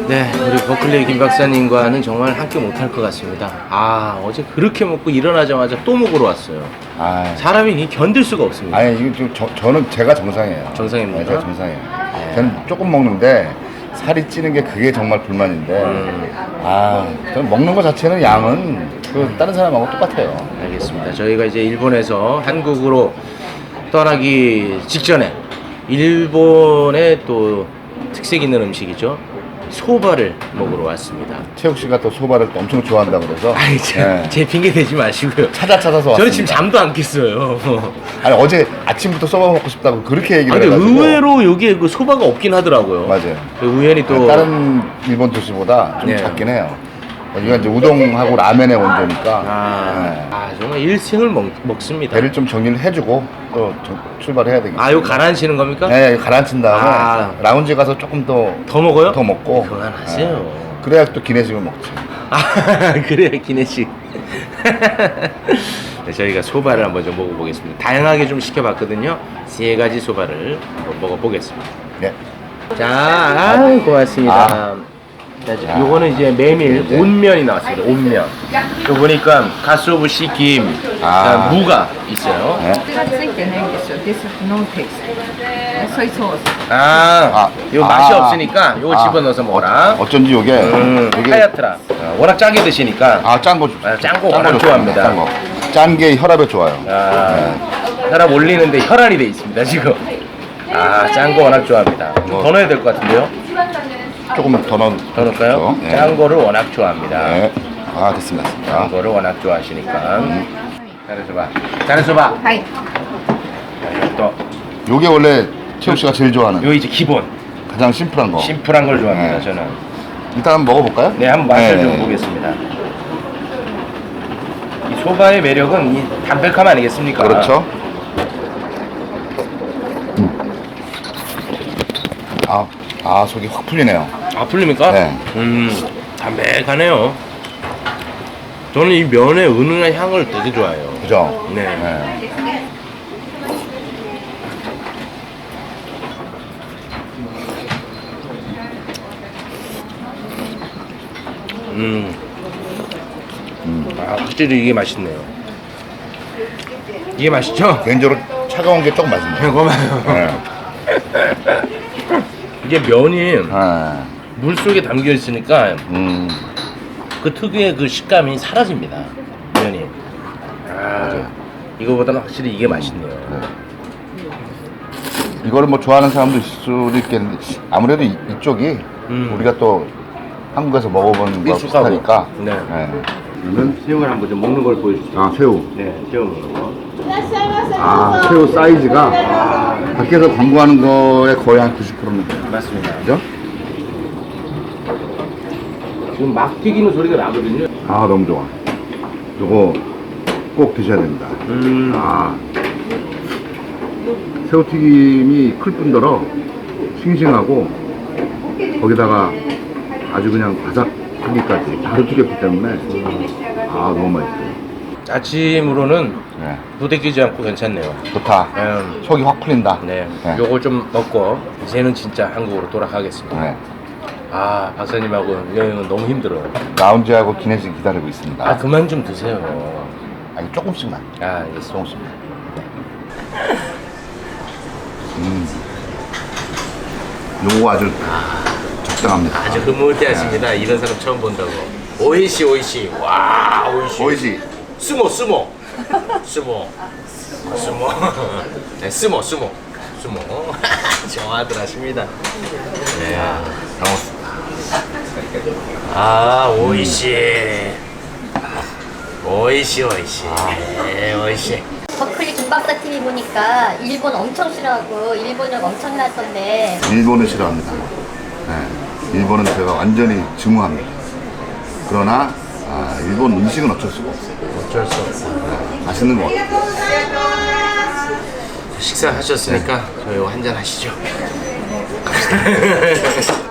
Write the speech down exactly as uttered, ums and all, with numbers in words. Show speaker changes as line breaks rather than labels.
네, 우리 버클리 김 박사님과는 정말 함께 못할 것 같습니다. 아, 어제 그렇게 먹고 일어나자마자 또 먹으러 왔어요.
아,
사람이 이 견딜 수가 없습니다.
아니 이거 좀 저, 저는 제가 정상이에요.
정상입니까?
네, 제가 정상이에요.
네.
저는 조금 먹는데 살이 찌는 게 그게 정말 불만인데
음.
아, 저는 먹는 거 자체는 양은 그 다른 사람하고 똑같아요.
알겠습니다. 저희가 이제 일본에서 한국으로 떠나기 직전에 일본의 또 특색 있는 음식이죠. 소바를 먹으러 왔습니다.
최욱 씨가 또 소바를 또 엄청 좋아한다고 그래서
아니, 제,
네.
제 핑계 대지 마시고요.
찾아 찾아서 왔습니다.
저는 지금 잠도 안 깼어요.
아니 어제 아침부터 소바 먹고 싶다고 그렇게 얘기를
아니,
해가지고
의외로 여기에 그 소바가 없긴 하더라고요.
맞아요.
그 우연히 또
다른 일본 도시보다 좀
네.
작긴 해요. 여기가 이제 우동하고 라멘의 원조니까
아,
네.
아 정말 일생을 먹, 먹습니다.
배를 좀 정리를 해주고 또 저- 출발해야 되겠죠.
아, 이거 가라앉히는 겁니까?
네, 가라앉힌 다음에
아.
라운지 가서 조금 더
더 먹어요?
더 먹고
그만하세요.
네. 그래야 또 기내식을 먹지.
아, 그래요, 기내식. 네, 저희가 소바를 한번 좀 먹어보겠습니다. 다양하게 좀 시켜봤거든요. 세 가지 소바를 한번 먹어보겠습니다.
네.
자, 아, 고맙습니다.
아.
자, 자, 요거는 이제 메밀
네.
온면이 나왔습니다. 온면. 또 보니까 가스오브 씨김,
아.
무가 있어요.
네.
手がついてないんですよ。This is no taste. 소이 소스.
아,
아.
요 맛이
아.
없으니까 요거
아.
집어넣어서 먹어라.
어쩐지 요게
음,
요게
하얗더라. 어, 워낙 짜게 드시니까.
아, 짠 거.
아, 짠거 워낙
좋습니다.
좋아합니다.
짠 거. 짠 게 혈압에 좋아요.
아, 혈압 올리는데 혈안이 돼 있습니다 지금. 아, 짠 거 워낙 좋아합니다.
뭐.
더 넣어야 될 것 같은데요?
조금 더 넣.
더 넣을까요?
네.
짠 거를 워낙 좋아합니다.
네. 아, 됐습니다. 됐습니다.
짠 거를 워낙 좋아하시니까. 잘해줘봐. 잘해줘봐.
はい。
자, 또,
요게 원래 최욱 씨가 제일 좋아하는
요 이제 기본.
가장 심플한 거.
심플한 걸 좋아합니다
네.
저는.
일단 한번 먹어볼까요?
네, 한번 맛을
네.
좀 보겠습니다. 이 소바의 매력은 이 담백함 아니겠습니까?
그렇죠. 아, 아 속이 확 풀리네요.
아, 풀립니까?
네.
음, 담백하네요. 저는 이 면의 은은한 향을 되게 좋아해요.
그죠?
네.
네.
음.
음.
아, 확실히 이게 맛있네요. 이게 맛있죠?
개인적으로 차가운 게 조금 맛있네요.
고마워요.
네.
이게 면이
네.
물 속에 담겨 있으니까
음.
그 특유의 그 식감이 사라집니다. 면이. 아, 이거보다는 확실히 이게 맛있네요.
이거를 뭐 좋아하는 사람도 있을 수도 있겠는데 아무래도 이, 이쪽이
음.
우리가 또 한국에서 먹어본 거
익숙하고.
비슷하니까.
네.
네.
그러면 새우를 한번 좀 먹는 걸 보여주세요.
아, 새우.
네, 새우 먹는 거.
아, 새우 사이즈가 밖에서 광고하는 거에 거의 한 구십 퍼센트는 돼요.
맞습니다.
그죠?
지금 막 튀기는 소리가 나거든요.
아, 너무 좋아. 요거 꼭 드셔야 됩니다.
음.
아, 새우튀김이 클 뿐더러 싱싱하고 거기다가 아주 그냥 바삭하기까지 바로 튀겼기 때문에 아, 너무 맛있어요.
아침으로는
네.
부대끼지 않고 괜찮네요.
좋다.
음.
속이 확 풀린다.
네.
네.
요거 좀 먹고 이제는 진짜 한국으로 돌아가겠습니다.
네.
아, 박사님하고 여행은 너무 힘들어요.
라운지하고 기내식 기다리고 있습니다.
아, 그만 좀 드세요.
아니, 조금씩만.
아, 알겠습니다.
조금씩만. 음. 요거 아주 적당합니다.
아주 흐뭇해하십니다. 이런 사람 처음 본다고. 오이시 오이시. 와, 오이시.
보이지?
스모 스모. 스모. 스모. 네, 스모 스모. 스모. 좋아들 하십니다. 네.
반갑습니다.
아, 오이시. 오이시 오이시. 네, 오이시.
버클리 김박사 티비 보니까 일본 엄청 싫어하고 일본역 엄청 나던데
일본을 싫어합니다. 네. 일본은 제가 완전히 증오합니다. 그러나 아, 일본 음식은 어쩔 수가 없어요.
어쩔 수 없어.
네. 맛있는 것 같아요.
식사하셨으니까 저희 한잔 하시죠.